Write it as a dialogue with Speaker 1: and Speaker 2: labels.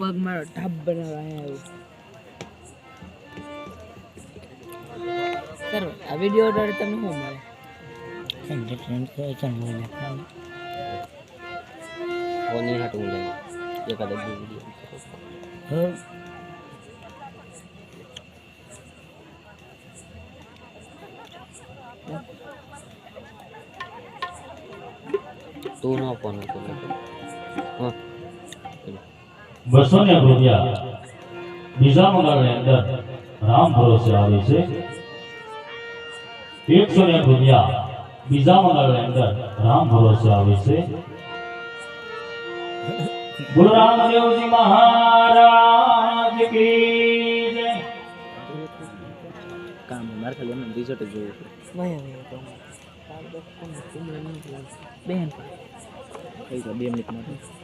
Speaker 1: पग मारो ढब बनावा है सर आ वीडियो ऑर्डर तमे हो मारे
Speaker 2: एंटरटेनमेंट से चैनल में
Speaker 3: ओनी हटूं ले ये कदम वीडियो
Speaker 2: हो
Speaker 3: तू ना फोन को हां
Speaker 4: बसों ने रुपया बीजा मंगाने अंदर राम भरोसे आवे से 100 रुपया बीजा मंगाने अंदर राम भरोसे आवे से बोल रामदेव जी महाराज की जय।
Speaker 3: काम मार खाली हम रिजल्ट जो
Speaker 1: वही तो बहन
Speaker 3: कई 2 मिनिट में